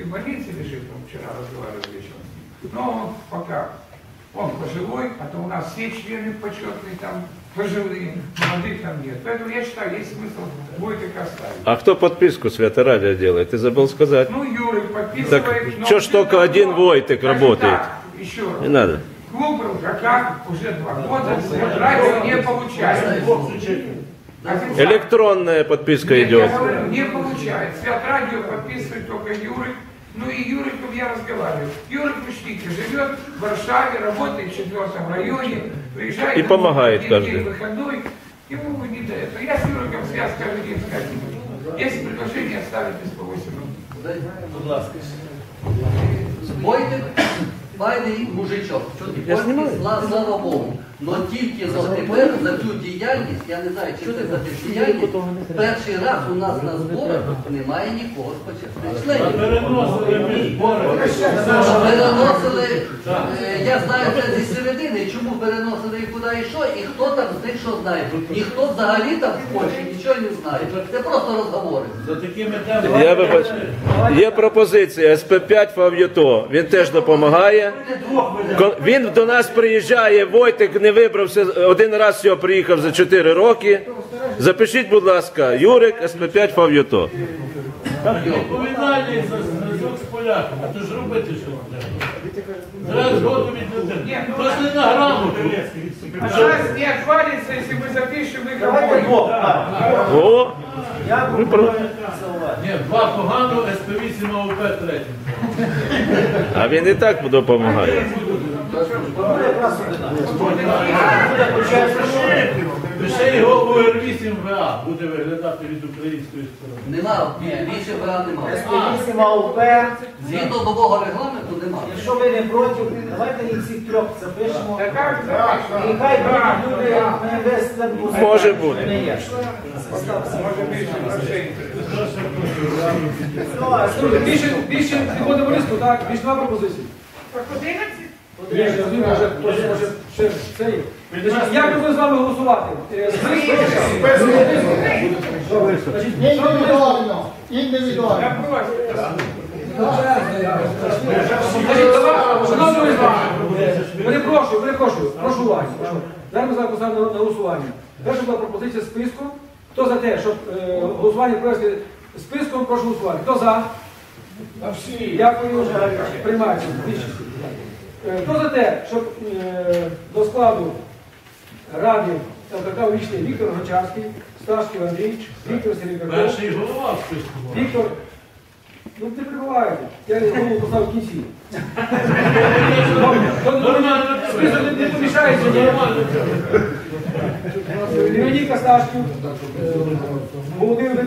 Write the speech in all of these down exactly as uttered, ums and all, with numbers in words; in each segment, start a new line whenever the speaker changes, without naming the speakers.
больнице лежит, он вчера разговаривал вечером. Но он пока, он пожилой, а то у нас все члены почетные там пожилые, молодых там нет. Поэтому я считаю, есть смысл Войтык оставить.
А кто подписку Свято-Радио делает? Ты забыл сказать?
Ну, Юрий подписывает.
Так, что ж только один Войтык работает?
Так, еще раз.
Не надо.
Клуб РУКК уже два года Свято-Радио не получает.
Электронная подписка
Нет,
идет.
я говорю, не получает. Свято-Радио подписывает только Юрик. Ну и Юриком я разговариваю. Юрик, учтите, живет в Варшаве, работает в четвертом районе, приезжает
И помогает каждый
день выходной. Ему не до этого. Я с Юриком связь каждый день скажу. Есть предложение оставить из по восемь минут.
Войтик файний мужичок. Слава, слава Богу. Но тільки за тепер, за цю діяльність, я не знаю, чи це за цю діяльність, перший раз у нас на зборах немає нікого з почесних членів. Переносили, я знаю це зі середини, чому переносили і куди і що, і хто там з них що знає. Ніхто взагалі там в Польщі нічого не знає. Це просто розговори.
Я вибач... Є пропозиція ес пе п'ять Фав'юто. Він теж допомагає. Він до нас приїжджає, Войтик не вибрався, один раз його приїхав за чотири роки. Запишіть, будь ласка, Юрик, ес пе п'ять Фав'юто.
Відповідальність за зв'язок з поляками, а то ж робити що треба. Зараз згоду від людей. Просто на грамоту.
А сейчас не отвалится, если мы запишем их обоих.
О!
Ні, два погано, ес пе вісім ау пе третім.
А він і так допомагає.
Лише його у ер вісім ве а буде виглядати від української сторони.
Нема, більше ВА немає.
ес пе вісім ау пе.
Згідно нового регламенту немає.
Якщо ви не проти, давайте їх всіх трьох запишемо.
Да как запишем?
І хай будуть люди, ми весь це буде.
Може бути.
Не є.
Может, більше грошей.
Більше, більше підходимо листу, так? Більше два пропозиції.
Так одинадцять?
Ні, я розумію, може, хтось може ще це є. Значить, як ми будемо з вами голосувати? Е, Значить,
Індивідуально. Індивідуально.
Я прошу.
Значить, давай, шановні з перепрошую, перепрошую, прошу уваги. прошу. Зараз ми зараз поставимо на голосування. Перша була пропозиція списком. Хто за те, щоб е, голосування провести списком, прошу голосувати. Хто за? Дякую, приймається. Більшість. Е, Хто за те, щоб е, до складу ради ЛКК увійшли Віктор Гончарський, Сташків Андрій, Віктор Серебряков,
Перший голова в списку.
Віктор, ну ти прибуваєте, я голову поставив в кінці. Список не помішається. Леонід Сташків, Володимир,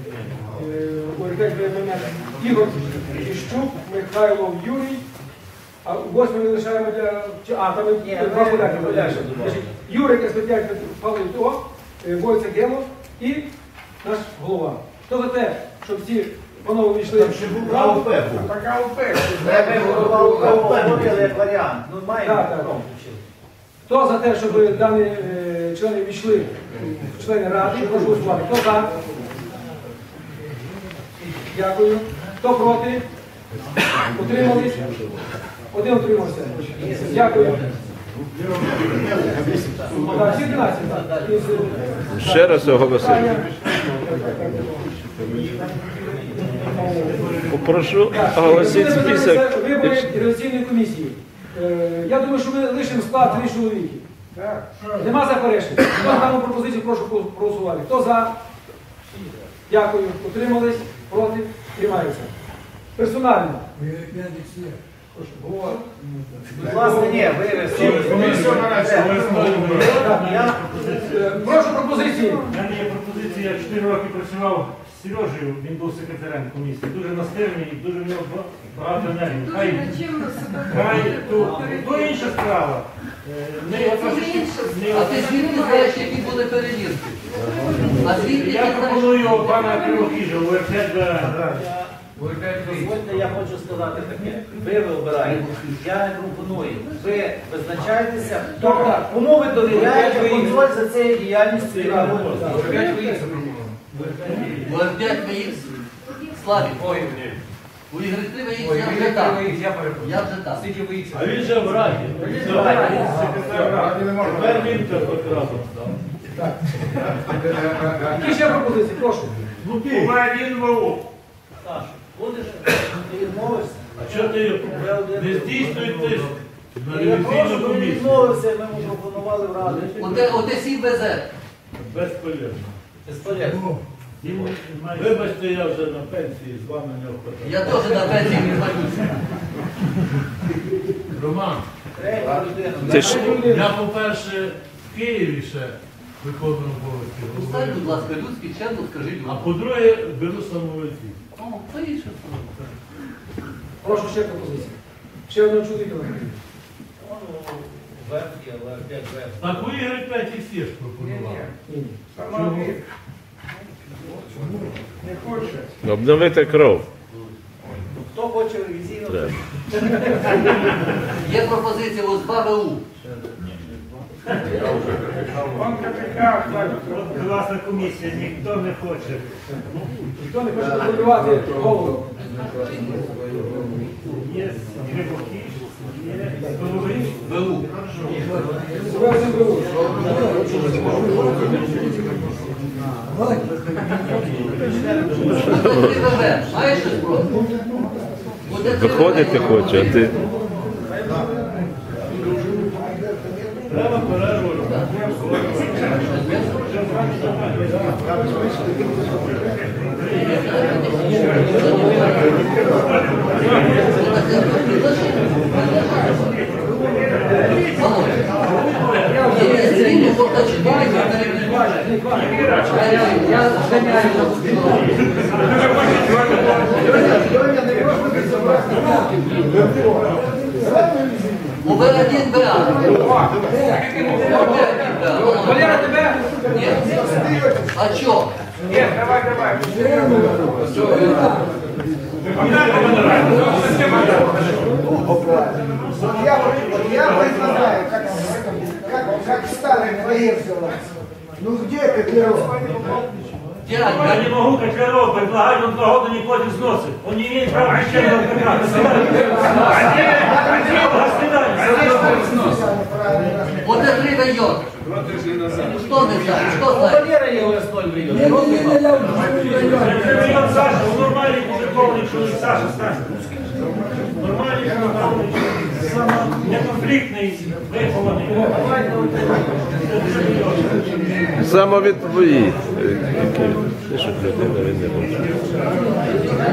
Ігор Іщук, Михайло Юрій. А восьми ми лишаємо для... А, там два поляки. Юрик, ес пе п'ять, Павло То, Войцек Гемо і наш голова. Хто за те, щоб ці панове війшли...
Там ще був АУП був.
Так АУП.
АУП як варіант. Ну, маємо.
Так, так. Хто за те, щоб дані е, члени війшли в члени ради, прошу голосувати. Хто за? Дякую. Хто проти? Утримались? Один утримався. Дякую. Так, всі дванадцять, так.
Ще раз оголосити. Попрошу оголосити список.
Вибори реалізаційної комісії. Е, Я думаю, що ми лишимо склад три чоловіки. Нема заперечень. Хто за дану пропозицію, прошу проголосувати. Хто за? Дякую. Утримались? Проти? Приймається. Персонально.
Власне, ні, ви
Прошу пропозиції.
У мене є пропозиція, я чотири роки працював з Сережею, він був секретарем комісії, дуже настирний, дуже в нього багато енергії. Хай, хай, то, то інша справа. Ми оце ж- ми
А
оце-
ти звідки знаєш, які були перевірки? А звідки
Я
ти знаєш?
пропоную пана Кривохижа, у ер п'ять бе.
Дозвольте, я хочу сказати таке. Ви вибираєте, я не пропоную. Ви визначаєтеся, хто, кому ви довіряєте контроль за цією діяльністю. яка ви-
У ер п'ять ми їх слабі. У Ігри Кривий
Ой,
я
ви
вже там.
я я перепрошую.
Я вже там.
Скільки ви їх?
А він же в раді.
Секретар ради.
Тепер він так от разом став.
Які ще пропозиції? Прошу.
Ну ти.
один ВО.
Саша, будеш, ти відмовишся?
А чого ти не здійснюєш тиск на
Я прошу,
ревізійну
ви
комісію?
відмовився, ми йому пропонували в раді.
Оте, оте сі везе.
Безполезно.
Безполезно.
Вибачте, я вже на пенсії, з вами не охотаю.
Я теж на пенсії не звалюся.
Роман,
Третя людина.
Це ж
я, по-перше, в Києві ще виконую обов'язки.
Встань, будь ласка, людський чемно, скажи
А
людям.
по-друге, беру самовольців.
О, то інше.
Прошу ще пропозиції. Ще одного чоловіка.
Верхи, але опять верхи.
Так ви Ігор п'ять і всі ж пропонували.
Ні.
Сама не хоче.
обновити кров.
Хто хоче ревізійну?
Треба.
Є пропозиція ось два ВУ.
Он капітан,
Класна комісія, ніхто не хоче.
Ніхто не хоче контролювати голову.
Є Кривохіж, є Голович.
ВУ.
Себе цим беруть.
Оте три ВВ. Маєш щось проти? Оте три
Виходити
ВВ.
хоче, а ти.
Треба перерву.
Є стрільні, можна чотири, можна
Я зганяю на пустину.
ОВ один БА.
Валера, тебе?
Ні. А чо?
Ні, давай, давай.
Я, я предлагаю, как, как, как Сталин воевал. Ну где Котляров?
Я
Дядь,
не могу, как Котляров, предлагать, он два года не платит взносы. Он не имеет права ничем на
оте три вайот. Хто не знає? Хто знає?
Валера є Лесной в районі.
Саша, он нормальный мужиковный человек, Саша, Саша. Нормальный мужиковный человек. Неконфликтный, вихований.
Самовідповідь. Ти що, людина, він не може.